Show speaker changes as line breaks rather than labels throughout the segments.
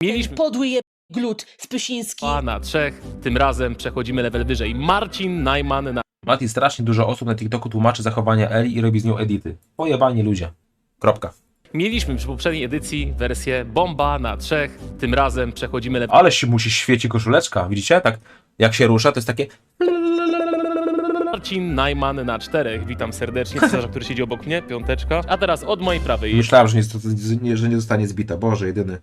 Mieliśmy
Podły glut Spysiński.
na 3, tym razem przechodzimy level wyżej. Marcin Najman na
Mati, strasznie dużo osób na TikToku tłumaczy zachowania Eli i robi z nią edity. Pojebani ludzie. Kropka.
Mieliśmy przy poprzedniej edycji wersję bomba na 3, tym razem przechodzimy level
Ale się musi świeci koszuleczka, widzicie? Tak jak się rusza, to jest takie...
Marcin Najman na 4. Witam serdecznie, cesarza, który siedzi obok mnie, piąteczka. A teraz od mojej prawej.
Myślałem, że nie zostanie zbita. Boże, jedyny.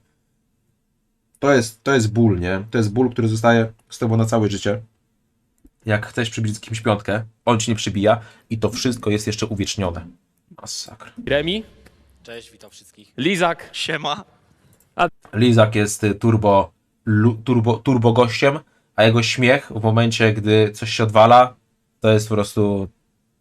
To jest ból, nie? To jest ból, który zostaje z tobą na całe życie. Jak chcesz przybić z kimś piątkę, on ci nie przybija i to wszystko jest jeszcze uwiecznione. Masakra.
Remi,
Cześć, witam wszystkich.
Lizak,
Siema.
Lizak jest turbo gościem, a jego śmiech w momencie, gdy coś się odwala, to jest po prostu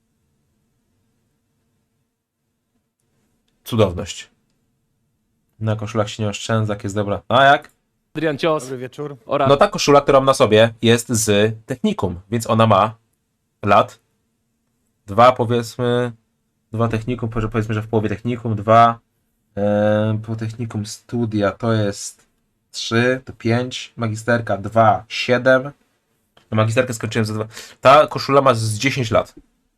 cudowność. Na koszulach się nie oszczędza, jak jest dobra. A jak?
Adrian Cios
Dobry wieczór.
oraz
No ta koszula, którą mam na sobie, jest z technikum, więc ona ma lat. Dwa technikum, powiedzmy, że w połowie technikum, po technikum studia to jest 3, to 5, magisterka 2, 7. No magisterkę skończyłem za 2. Ta koszula ma z 10 lat.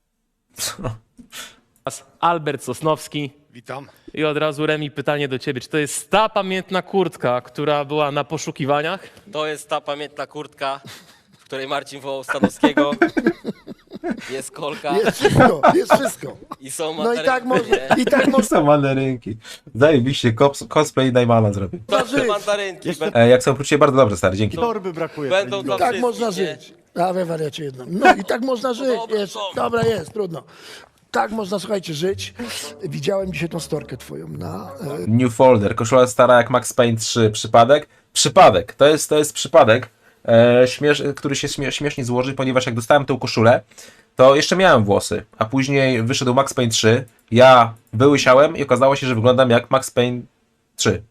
Albert Sosnowski.
Witam.
I od razu Remi, pytanie do ciebie. Czy to jest ta pamiętna kurtka, która była na poszukiwaniach?
To jest ta pamiętna kurtka, w której Marcin wołał Stanowskiego. Jest kolka
Jest wszystko.
i są
No i tak można
Są mandarynki. Zajebiście, cosplay Najmana zrobił.
żyć.
mandarynki.
Jak są poczucie bardzo dobre, stary, dzięki.
Torby brakuje.
Będą dla
Tak
wszystkich,
można
nie?
żyć. A we wariacie jedno. No i tak można żyć.
dobra,
Jest.
są.
Dobra, jest, trudno. Tak można, słuchajcie, żyć. Widziałem dzisiaj tą storkę twoją na...
New Folder, koszula stara jak Max Payne 3. Przypadek? Przypadek. To jest przypadek, który się śmiesznie złoży, ponieważ jak dostałem tę koszulę, to jeszcze miałem włosy, a później wyszedł Max Payne 3, ja wyłysiałem i okazało się, że wyglądam jak Max Payne 3.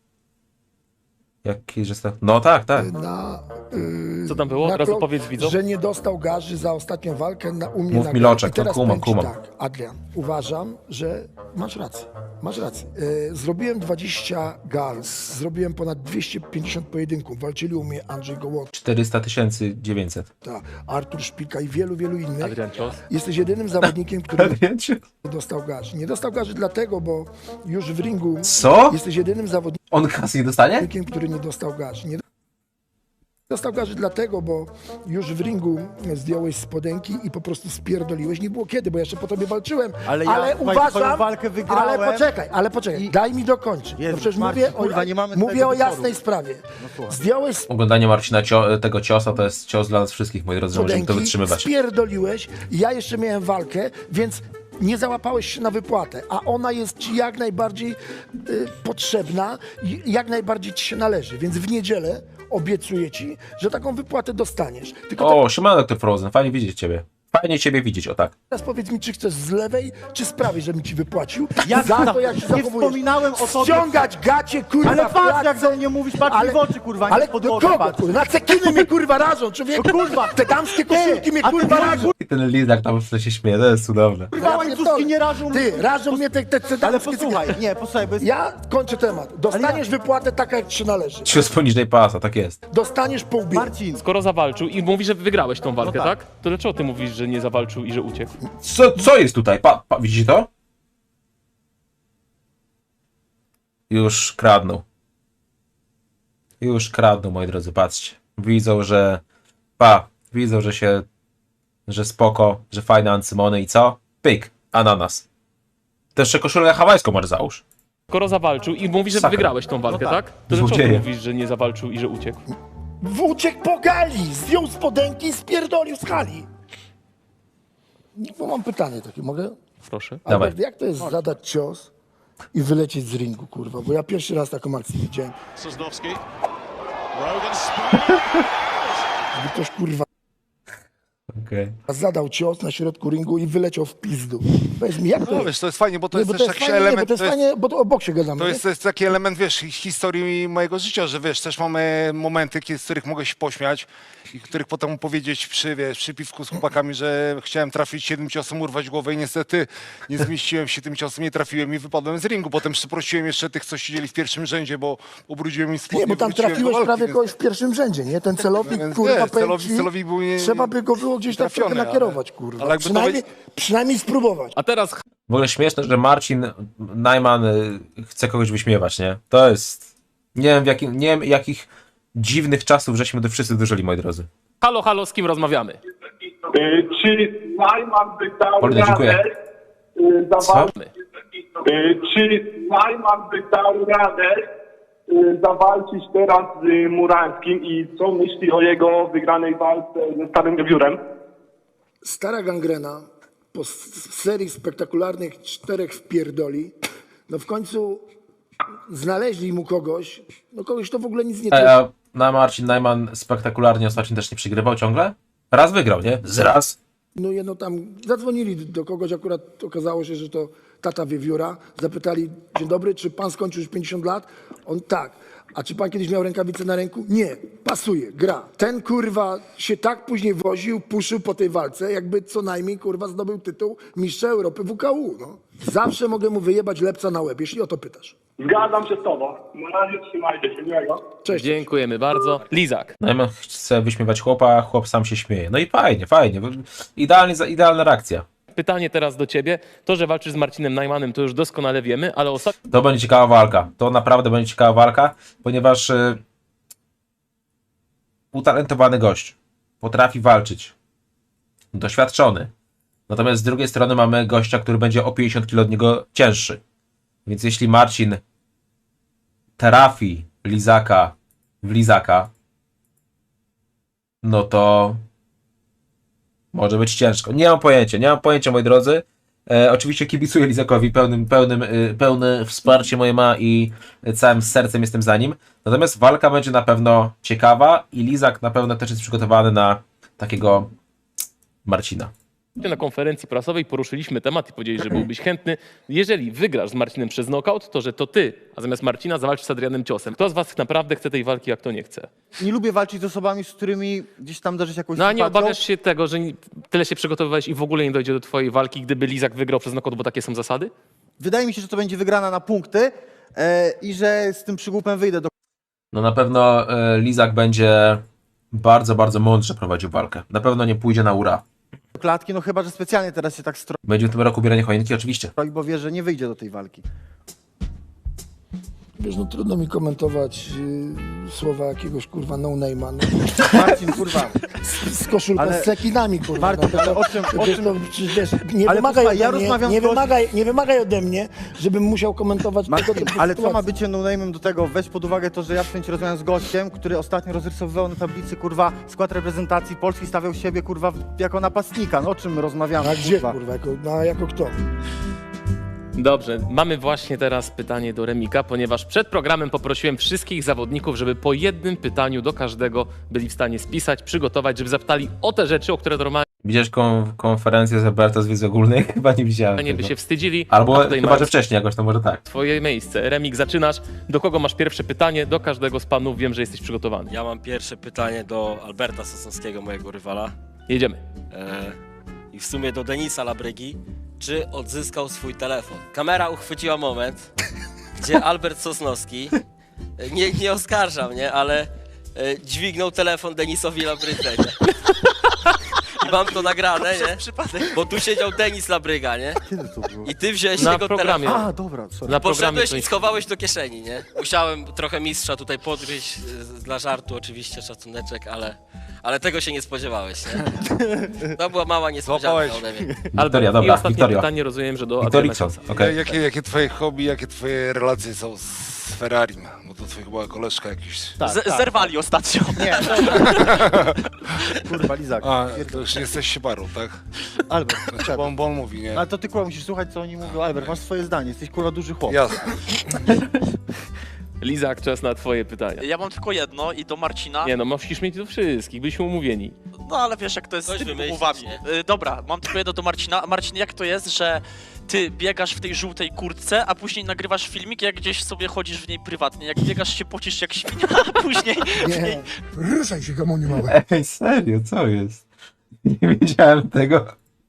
Jaki, że no tak.
Co tam było?
na
Od razu
klon-
powiedz widzom.
Że nie dostał garzy za ostatnią walkę u mnie
Mów
na
mi,
gali.
Loczek,
I teraz
no kumam,
powiem ci
kumam.
tak, Adrian, uważam, że masz rację. Masz rację. Zrobiłem 20 gals, zrobiłem ponad 250 pojedynków. Walczyli u mnie Andrzej Gołota,
400 900.
Artur Szpilka i wielu innych.
Adrian Cios.
Jesteś jedynym zawodnikiem, który
Wiecie?
nie dostał garzy. Nie dostał garzy dlatego, bo już w ringu
Co?
jesteś jedynym zawodnikiem,
On kasy nie dostanie?
który nie dostał garzy. Nie dostał garzy dlatego, bo już w ringu zdjąłeś spodenki i po prostu spierdoliłeś. Nie było kiedy, bo jeszcze po tobie walczyłem.
Ale ja twoją
uważam,
walkę wygrałem.
ale poczekaj, daj mi dokończyć.
Jezu,
No przecież
Marcin,
mówię
kurwa, nie mamy
mówię
tego
o
wieczoru.
jasnej sprawie.
słuchaj.
Zdjąłeś
Oglądanie Marcina tego ciosa to jest cios dla nas wszystkich, moi drodzy, że możemy to
spodenki,
wytrzymywać.
spierdoliłeś, ja jeszcze miałem walkę, więc nie załapałeś się na wypłatę, a ona jest ci jak najbardziej potrzebna i jak najbardziej ci się należy, więc w niedzielę obiecuję ci, że taką wypłatę dostaniesz. Tylko
O, siemano, Dr. Frozen, fajnie widzieć ciebie. Fajnie ciebie widzieć, o tak.
teraz powiedz mi, czy chcesz z lewej, czy z prawej, żebym ci wypłacił
Ja
za to, jak się
nie
zachowujesz.
wspominałem o tobie.
Ściągać gacie, kurwa,
Ale
w
patrz, jak
klatce.
do mnie mówisz, patrz mi w oczy, kurwa, nie
ale
w
do
podłogę
kogo,
patrz.
kurwa? Na cekiny mnie, kurwa, rażą, człowieku.
No, kurwa.
Te damskie koszulki mnie,
a ty
kurwa,
mówisz,
rażą.
I ten lizak tam w tle się śmieje, to jest cudowne.
Kurwa, łańcuszki nie rażą.
Ty, rażą mnie te
Ale
damskie
posłuchaj,
cekiny.
nie, posłuchaj, bo jest...
Ja kończę temat. Dostaniesz wypłatę taka, jak ci się należy.
Cios poniżej pasa, tak jest.
Dostaniesz po łbie.
Marcin,
Skoro zawalczył i mówi, że wygrałeś tą walkę,
No
tak.
tak.
To dlaczego ty mówisz, że nie zawalczył i że uciekł?
Co jest tutaj? Widzicie to? Już kradną. Już kradną, moi drodzy, patrzcie. Widzą, że... Widzą, że spoko, że fajne ancymony i co? Pyk, ananas. To jeszcze koszulę hawajską masz załóż.
Skoro zawalczył i mówi, że
Sakra.
wygrałeś tą walkę,
No tak.
tak. To dlaczego ty
Złodzieje.
mówisz, że nie zawalczył i że uciekł?
Uciekł po gali, zdjął spodenki i spierdolił z hali. Bo mam pytanie takie, mogę?
Proszę.
Dawaj.
Albert, jak to jest zadać cios i wylecieć z ringu, kurwa? Bo ja pierwszy raz taką akcję widziałem.
Sosnowski. Rogan spin.
Żeby ktoś, kurwa,
Okej.
zadał cios na środku ringu i wyleciał w pizdu. Powiedz mi, jak to
No
jest?
wiesz, to jest fajnie, bo to
Nie,
jest
bo
też
to jest
jakiś
fajnie, nie, bo
element,
to jest fajnie, bo to o boksie gadamy,
to
nie?
jest taki element, wiesz, historii mojego życia, że wiesz, też mamy momenty, z których mogę się pośmiać i których potem powiedzieć przy piwku z chłopakami, że chciałem trafić 7 ciosem, urwać głowę i niestety nie zmieściłem się tym ciosem, nie trafiłem i wypadłem z ringu. Potem przeprosiłem jeszcze tych, co siedzieli w pierwszym rzędzie, bo ubrudziłem im spodnie.
Nie, bo tam
wróciłem do
trafiłeś
walki,
prawie
więc-
kogoś w pierwszym rzędzie, nie? Ten celownik,
Więc
kurwa,
wiesz,
powiem ci,
celowi był
trzeba by go było gdzieś tak trochę
trafiony,
nakierować, kurwa.
ale jakby to
Przynajmniej spróbować.
A teraz
W ogóle śmieszne, że Marcin Najman chce kogoś wyśmiewać, nie? To jest... Nie wiem jakich dziwnych czasów żeśmy wszyscy dożyli, moi drodzy.
halo, halo, z kim rozmawiamy?
Czy Najman by dał
Polina, dziękuję.
radę
Co?
czy Najman by dał radę zawalczyć teraz z Murańskim i co myśli o jego wygranej walce ze Starym Wiewiórem?
Stara gangrena po serii spektakularnych 4 wpierdoli, no w końcu znaleźli mu kogoś, no kogoś to w ogóle nic nie
A na Marcin Najman spektakularnie ostatnio też nie przegrywał ciągle? Raz wygrał, nie? Z raz.
No jedno tam, zadzwonili do kogoś, akurat okazało się, że to tata Wiewióra, zapytali, dzień dobry, czy pan skończył już 50 lat? On tak. A czy pan kiedyś miał rękawice na ręku? Nie. Pasuje, gra. Ten kurwa się tak później woził, puszył po tej walce, jakby co najmniej kurwa zdobył tytuł mistrza Europy WKU, no. Zawsze mogę mu wyjebać lepca na łeb, jeśli o to pytasz.
Zgadzam się z tobą. Na razie trzymajcie się, miłego.
Cześć.
Dziękujemy bardzo. Lizak.
Najman chce wyśmiewać chłopa, chłop sam się śmieje. No i fajnie, fajnie. Idealna reakcja.
Pytanie teraz do ciebie. To, że walczysz z Marcinem Najmanem, to już doskonale wiemy, ale ostatnio
To będzie ciekawa walka. To naprawdę będzie ciekawa walka, ponieważ utalentowany gość potrafi walczyć. Doświadczony. Natomiast z drugiej strony mamy gościa, który będzie o 50 kg od niego cięższy. Więc jeśli Marcin trafi Lizaka w Lizaka, no to może być ciężko. Nie mam pojęcia, moi drodzy. Oczywiście kibicuję Lizakowi, pełne wsparcie moje ma i całym sercem jestem za nim. Natomiast walka będzie na pewno ciekawa i Lizak na pewno też jest przygotowany na takiego Marcina.
na konferencji prasowej poruszyliśmy temat i powiedzieli, że byłbyś chętny. Jeżeli wygrasz z Marcinem przez knockout, to że to ty, a zamiast Marcina zawalczysz z Adrianem Ciosem. Kto z was naprawdę chce tej walki, a kto nie chce?
Nie lubię walczyć z osobami, z którymi gdzieś tam darzyć jakąś
No a nie
sympatią.
obawiasz się tego, że tyle się przygotowywałeś i w ogóle nie dojdzie do twojej walki, gdyby Lizak wygrał przez knockout, bo takie są zasady?
Wydaje mi się, że to będzie wygrana na punkty i że z tym przygłupem wyjdę do
No na pewno Lizak będzie bardzo, bardzo mądrze prowadził walkę. Na pewno nie pójdzie na ura.
klatki, no chyba, że specjalnie teraz się tak stroi,
Będzie w tym roku ubieranie choinki, oczywiście.
bo wie, że nie wyjdzie do tej walki.
Wiesz, no trudno mi komentować słowa jakiegoś kurwa no-name'a, no.
Marcin, kurwa.
Z koszulką,
Ale-
z cekinami, kurwa.
Marcin,
no,
ale o czym-
wiesz, no, przecież, wiesz, nie
Ale
wymagaj
posłuchaj, ja
ode mnie,
rozmawiam
nie,
z gościem-
nie wymagaj ode mnie, żebym musiał komentować tego
Marcin,
typu
ale co ma
sytuacji.
bycie no-name'em do tego? Weź pod uwagę to, że ja w tym rozmawiam z gościem, który ostatnio rozrysowywał na tablicy, kurwa, skład reprezentacji Polski, stawiał siebie, kurwa, jako napastnika. No o czym my rozmawiamy,
A gdzie,
kurwa?
kurwa, jako kto?
Dobrze, mamy właśnie teraz pytanie do Remika, ponieważ przed programem poprosiłem wszystkich zawodników, żeby po jednym pytaniu do każdego byli w stanie spisać, przygotować, żeby zapytali o te rzeczy, o które normalnie
Widziałeś konferencję z Alberta z wiedzy ogólnej? Chyba nie widziałem
by
tego.
się wstydzili.
Albo
A tutaj
chyba, że
masz
wcześniej jakoś, to może tak.
twoje miejsce. Remik, zaczynasz. Do kogo masz pierwsze pytanie? Do każdego z panów. Wiem, że jesteś przygotowany.
Ja mam pierwsze pytanie do Alberta Sosnowskiego, mojego rywala.
Jedziemy.
I w sumie do Denisa Labrygi. Czy odzyskał swój telefon? Kamera uchwyciła moment, gdzie Albert Sosnowski, nie oskarżam, nie, ale dźwignął telefon Denisowi Labrydze, nie? I mam to nagrane, nie? Bo tu siedział Denis Labryga, nie?
Kiedy to było?
I ty wziąłeś
Na
jego
programie.
telefon.
A, dobra, sorry.
Na programie
Poszedłeś
to
i schowałeś do kieszeni, nie? Musiałem trochę mistrza tutaj podgryźć, dla żartu oczywiście, szacuneczek, ale tego się nie spodziewałeś, nie? To była mała niespodzianka
Złapałeś.
ode mnie.
Wiktoria,
I
dobra,
ostatnie
Wiktoria.
pytanie rozumiem, że do
Wiktorii
Adriana
co?
Ciosa.
Okej.
Jakie twoje hobby, jakie twoje relacje są z Ferrarim? Bo to twoja chyba koleżka jakiś.
Zerwali ostatnio.
Nie, dobra. Kurwa, Lizak.
A, to już nie jesteś siebarą, tak?
Albert,
Znaczy, bo on mówi, nie?
ale to ty, kurwa, musisz słuchać, co oni mówią. Albert, masz swoje zdanie, jesteś, kurwa, duży chłop.
Jasne.
Lizak, czas na twoje pytania.
Ja mam tylko jedno i do Marcina.
Nie no, musisz mieć do wszystkich, byliśmy umówieni.
No ale wiesz jak to jest z
Coś
tymi
wymyślić,
umowami.
nie?
Dobra, mam tylko jedno do Marcina. Marcin, jak to jest, że ty biegasz w tej żółtej kurtce, a później nagrywasz filmik, jak gdzieś sobie chodzisz w niej prywatnie. Jak biegasz się pocisz jak świnia, a później w niej...
Nie, ruszaj się, gamoniu mały.
Ej, serio, co jest? Nie wiedziałem tego.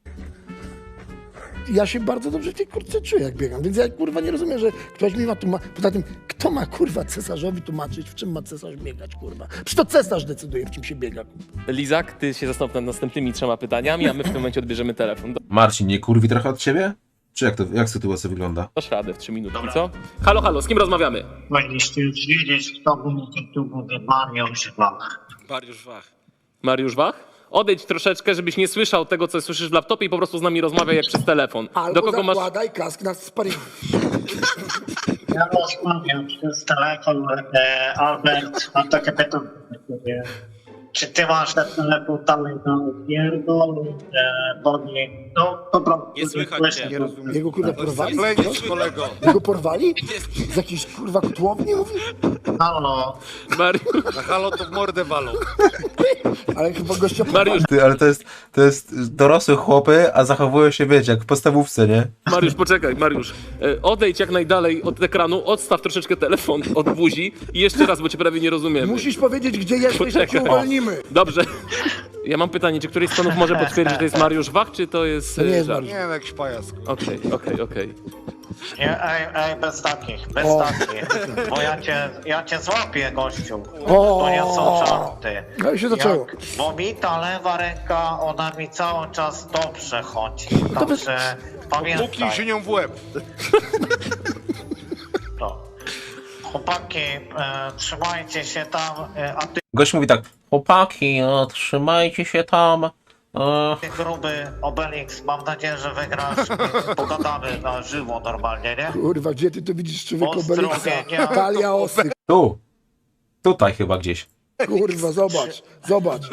Ja się bardzo dobrze w tej kurtce czuję, jak biegam, więc ja kurwa nie rozumiem, że ktoś mi ma tu poza tym, kto ma kurwa cesarzowi tłumaczyć, w czym ma cesarz biegać, kurwa? Przecież to cesarz decyduje, w czym się biega, kurwa.
Lizak, ty się zastanów nad następnymi 3 pytaniami, a my w tym momencie odbierzemy telefon.
Marcin, nie kurwi trochę od ciebie? Czy jak sytuacja wygląda?
Dasz radę w 3 minutki, co? Halo, halo, z kim rozmawiamy?
Powinniście już wiedzieć, kto był tu mówi Mariusz Wach.
Mariusz Wach.
Mariusz Wach? Odejdź troszeczkę, żebyś nie słyszał tego, co słyszysz w laptopie i po prostu z nami rozmawiaj jak przez telefon.
Albo zakładaj kask na sparingu.
Ja rozmawiam przez telefon, Albert, mam takie pytanie. Czy ty masz ten telefon dalej na odpierdol, bo nie, no po prostu...
Nie słychać cię.
Nie rozumiem.
Jego kurwa porwali?
Klejnisz, kolego.
Jego porwali? Z jakiejś kurwa kotłowni mówi?
Halo,
Mariusz,
Na halo to w mordę walą.
Ale chyba gościa
Mariusz,
Ty, ale to jest dorosłe chłopy, a zachowują się, wiecie, jak w podstawówce, nie?
Mariusz, poczekaj, Mariusz. Odejdź jak najdalej od ekranu, odstaw troszeczkę telefon od buzi i jeszcze raz, bo cię prawie nie rozumiemy.
Musisz powiedzieć, gdzie jesteś, to cię
Poczekaj.
uwolnimy.
Dobrze. Ja mam pytanie, czy któryś z panów może potwierdzić, że to jest Mariusz Wach, czy to jest...
To nie jest
żart?
Mariusz.
Nie, no jakiś pajac.
Okej.
nie, ej, bez takich, bo ja cię złapię, gościu.
O.
To nie są żarty.
No i się zaczęło.
Bo mi ta lewa ręka, ona mi cały czas dobrze chodzi, także
Puknij się
pamiętaj.
nią w łeb.
No. Chłopaki, trzymajcie się tam, a ty
Gość mówi tak, chłopaki, trzymajcie się tam.
gruby Obelix, mam nadzieję, że wygrasz. Pogadamy na żywo normalnie, nie?
Kurwa, gdzie ty to widzisz człowieku
Pozdrowienia.
Obelixa? Talia osy.
Tu. Tutaj chyba gdzieś.
Kurwa, zobacz.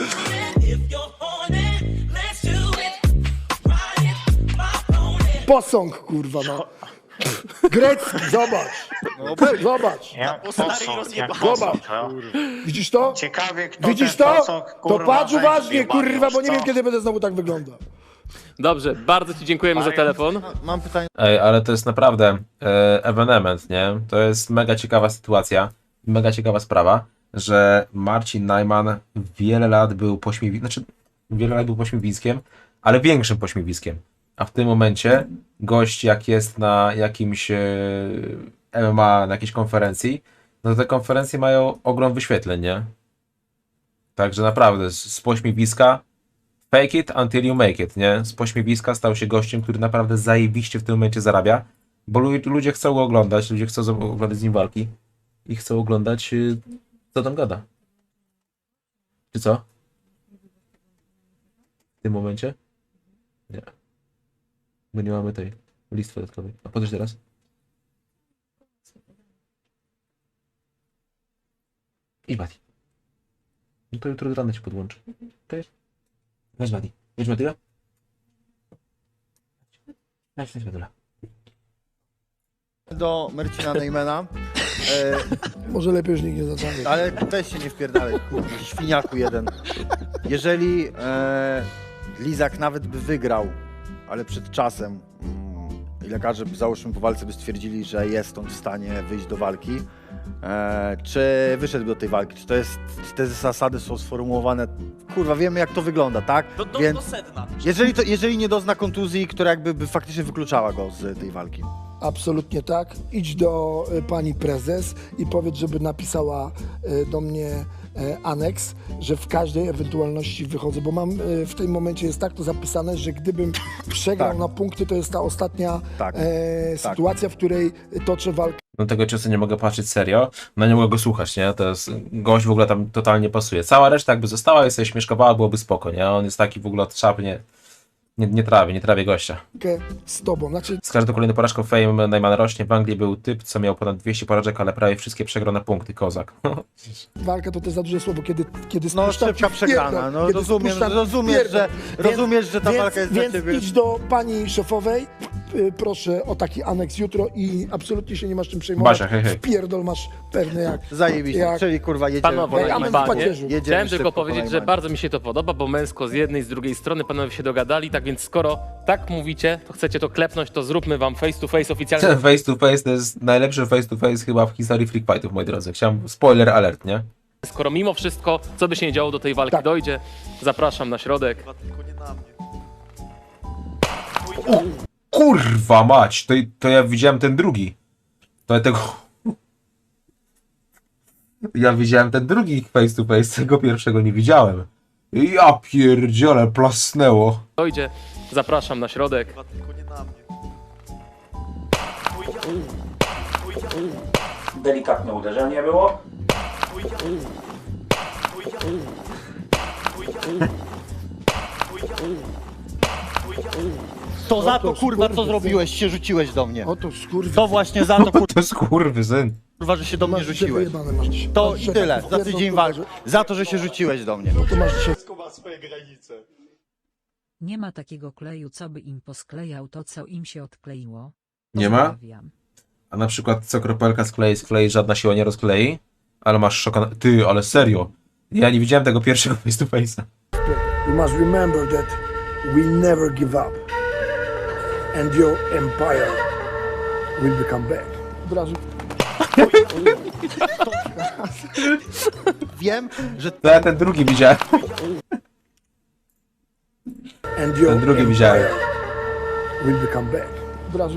Posąg, kurwa, no. Grecki, zobacz.
Jak
stary
posąg, jak
rozjebany.
posąg, no.
Widzisz to?
Ciekawie, kto
Widzisz
ten
to?
posąg,
To
kurwa,
patrz
weźmie,
uważnie, kurwa, bo nie
co?
wiem, kiedy będę znowu tak wyglądał.
Dobrze, bardzo ci dziękujemy za telefon.
Mam pytanie
Ej, ale to jest naprawdę ewenement, nie? To jest mega ciekawa sytuacja, mega ciekawa sprawa, że Marcin Najman wiele lat był pośmiewiskiem, ale większym pośmiewiskiem. A w tym momencie gość, jak jest na jakimś MMA, na jakiejś konferencji, no to te konferencje mają ogrom wyświetleń, nie? Także naprawdę, z pośmiewiska fake it until you make it, nie? Z pośmiewiska stał się gościem, który naprawdę zajebiście w tym momencie zarabia, bo ludzie chcą go oglądać, ludzie chcą oglądać z nim walki i chcą oglądać, co tam gada. Czy co? W tym momencie? Nie. Bo nie mamy tej listy dodatkowej. A podejść teraz? Idź, Mati. No to jutro rano ci podłączę. Okej? Weź Mati. Weź Matyla. Weź Matyla.
do Marcina Najmana.
Może lepiej już nikt nie zadzwoni.
Ale weź się nie wpierdalaj, kurwa, świniaku jeden. Jeżeli Lizak nawet by wygrał, ale przed czasem i lekarze, załóżmy po walce, by stwierdzili, że jest on w stanie wyjść do walki, czy wyszedł do tej walki, czy te zasady są sformułowane, kurwa, wiemy jak to wygląda, tak?
Do sedna.
Jeżeli nie dozna kontuzji, która jakby by faktycznie wykluczała go z tej walki.
Absolutnie tak. Idź do pani prezes i powiedz, żeby napisała do mnie aneks, że w każdej ewentualności wychodzę, bo mam w tym momencie jest tak to zapisane, że gdybym przegrał
Tak.
na punkty, to jest ta ostatnia
Tak.
sytuacja, w której toczę walkę.
Do tego ciosu nie mogę patrzeć serio, no nie mogę go słuchać, nie? To jest, gość w ogóle tam totalnie pasuje. Cała reszta jakby została i sobie śmieszkowała, byłoby spoko, nie? On jest taki w ogóle od czapy, nie trawię gościa.
Z tobą. Znaczy,
Z każdą kolejną porażką fame Najman rośnie. W Anglii był typ, co miał ponad 200 porażek, ale prawie wszystkie przegrał na punkty, kozak.
walka to też za duże słowo, kiedy
No
spuszczam
szybka
ci w
przegrana,
pierdol,
no
kiedy
rozumiesz,
spuszczam
rozumiesz,
pierdol.
że, rozumiesz, że ta walka jest dla
Więc
ciebie.
idź do pani szefowej proszę o taki aneks jutro i absolutnie się nie masz czym przejmować.
Basia, hej, hej.
Wpierdol masz pewny jak...
Zajebiście,
Jak-
czyli kurwa jedziemy
Panowie,
po
jak
najmanie.
amen w
panie,
pacierzu.
Jedziemy
chciałem
szybko
tylko
po
powiedzieć, że
najmanie.
bardzo mi się to podoba, bo męsko z jednej i z drugiej strony panowie się dogadali, tak więc skoro tak mówicie, to chcecie to klepnąć, to zróbmy wam face to face oficjalnie.
Ten face to face to jest najlepszy face to face chyba w historii Freak Fightów, moi drodzy. Chciałem spoiler alert, nie?
Skoro mimo wszystko, co by się nie działo, do tej walki
Tak.
dojdzie, zapraszam na środek.
Tylko nie na mnie.
Kurwa mać, to ja widziałem ten drugi. To ja tego... Ja widziałem ten drugi face to face, tego pierwszego nie widziałem. Ja pierdziele, plasnęło.
Dojdzie, zapraszam na środek.
Tylko nie na mnie.
Delikatne uderzenie było.
To za to
Oto
kurwa co
skurwysyn.
zrobiłeś, się rzuciłeś do mnie.
Oto skurwy...
To właśnie za to
To jest kurwysyn.
kurwa, że się do mnie
Masz dzisiaj
rzuciłeś.
wyjebane, masz dzisiaj.
To
Masz
i
dzisiaj
tyle,
taki
za
wpierdol,
tydzień
kurwa,
walk.
że-
Za to, że się rzuciłeś do mnie.
To masz dzisiaj...
Nie ma takiego kleju, co by im posklejał to, co im się odkleiło.
Nie ma?
Pozdrawiam.
A na przykład co kropelka sklei, żadna siła nie rozklei? Ale masz szoka... Ty, ale serio. Ja nie widziałem tego pierwszego face to face'a.
You must remember that we never give up. And your empire will become back. Od razu...
Wiem, że
To ja ten drugi widziałem.
And your
Ten drugi
empire
widziałem.
will become back. Od razu...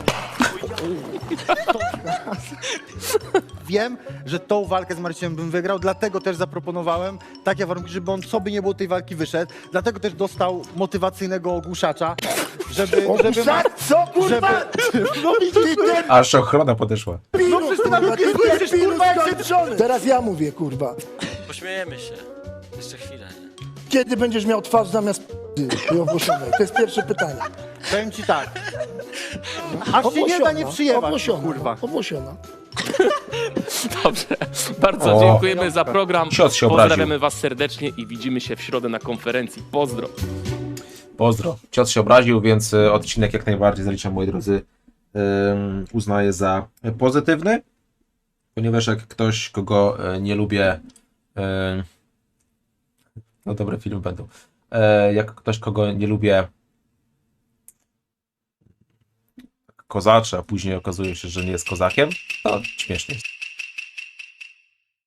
wiem, że tą walkę z Marcinem bym wygrał, dlatego też zaproponowałem takie warunki, żeby on co by nie było tej walki wyszedł. Dlatego też dostał motywacyjnego ogłuszacza, żeby
Co kurwa? No i ty
Aż ochrona podeszła.
No przecież ty nawet nie słyszysz, kurwa, jak się...
Teraz ja mówię, kurwa.
Pośmiejemy się. Jeszcze chwilę, nie?
Kiedy będziesz miał twarz zamiast p***y owłosionej? To jest pierwsze pytanie.
Powiem ci tak. Aż się nie da nie przyjebać,
owłosiona,
kurwa.
owłosiona.
Dobrze, bardzo
O.
dziękujemy za program.
Cios się obraził.
Pozdrawiamy was serdecznie i widzimy się w środę na konferencji. Pozdro.
Pozdro. Cios się obraził, więc odcinek jak najbardziej zaliczam, moi drodzy, uznaję za pozytywny, ponieważ jak ktoś, kogo nie lubię, no dobre filmy będą, jak ktoś, kogo nie lubię, kozaczy, a później okazuje się, że nie jest kozakiem, to śmiesznie jest.